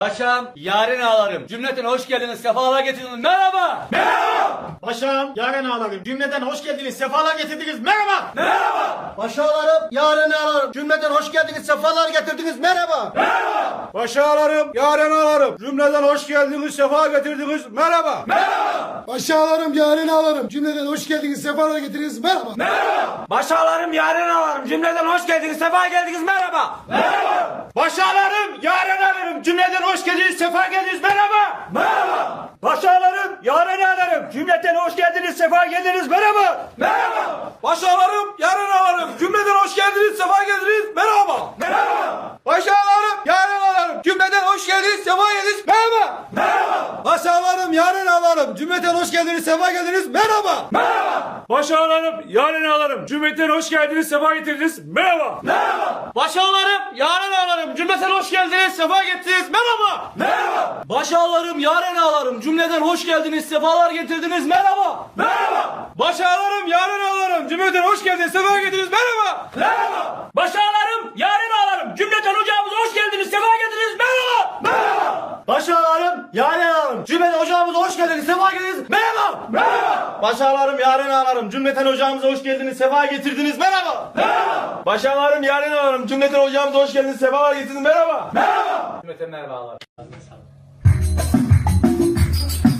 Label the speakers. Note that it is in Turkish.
Speaker 1: Paşam, yarın ağlarım. Cümleten hoş geldiniz, sefalar getirdiniz. Merhaba.
Speaker 2: Merhaba. Paşam, yaren ağlarım. Cümleden hoş geldiniz, sefalar getirdiniz. Merhaba.
Speaker 1: Merhaba.
Speaker 3: Paşalarım, yarın ağlarım. Cümleden hoş geldiniz, sefalar getirdiniz. Merhaba.
Speaker 1: Merhaba.
Speaker 2: Paşalarım, yaren ağlarım. Cümleden hoş geldiniz, sefa getirdiniz. Merhaba.
Speaker 1: Merhaba.
Speaker 3: Paşalarım, yarın ağlarım. Cümleden hoş geldiniz, sefalar getirdiniz. Merhaba.
Speaker 1: Merhaba.
Speaker 2: Paşalarım, yaren ağlarım. Cümleden hoş geldiniz, sefa geldiniz. Merhaba.
Speaker 1: Merhaba.
Speaker 2: Paşalarım, yaren ağlarım. Cümleden hoş geldiniz, sefa geldiniz. Merhaba.
Speaker 1: Merhaba.
Speaker 2: Paşalarım, yaren ağlarım. Cümleten hoş geldiniz, sefa geldiniz. Merhaba.
Speaker 1: Merhaba.
Speaker 2: Paşalarım, yaren ağlarım. Cümleden hoş geldiniz, sefa geldiniz. Merhaba.
Speaker 1: Merhaba.
Speaker 2: Paşalarım, yaren ağlarım. Cümleden hoş geldiniz, sefa geldiniz. Merhaba.
Speaker 1: Merhaba.
Speaker 2: Paşalarım, yaren ağlarım. Cümleten hoş geldiniz, sefa geldiniz. Merhaba.
Speaker 1: Merhaba.
Speaker 4: Paşalarım, yarın ağlarım. Cümleten hoş geldiniz, sefa getirdiniz. Merhaba.
Speaker 1: Merhaba.
Speaker 2: Paşalarım, yaren ağlarım. Cümleten hoş geldiniz, sefa getirdiniz. Merhaba.
Speaker 1: Merhaba.
Speaker 2: Başağlarım, yaren ağlarım. Cümleden hoş geldiniz, sefalar getirdiniz. Merhaba.
Speaker 1: Merhaba.
Speaker 2: Başağlarım, yaren ağlarım. Cümleten hoş geldiniz, sefa getirdiniz. Merhaba.
Speaker 1: Merhaba.
Speaker 4: Başağlarım, yarın ağlarım. Cümleten ocağımıza hoş geldiniz, sefa getirdiniz. Merhaba.
Speaker 1: Merhaba.
Speaker 2: Başağlarım, yaren ağlarım. Cümleten ocağımıza hoş geldiniz, sefa getirdiniz. Merhaba.
Speaker 1: Merhaba.
Speaker 2: Başağlarım, yaren ağlarım. Cümleten ocağımıza hoş geldiniz, sefa getirdiniz. Merhaba.
Speaker 1: Merhaba.
Speaker 2: Başağlarım, yaren ağlarım. Cümleten ocağımıza hoş geldiniz, sefa getirdiniz. Merhaba.
Speaker 1: Merhaba.
Speaker 2: Cümleten merhabalar.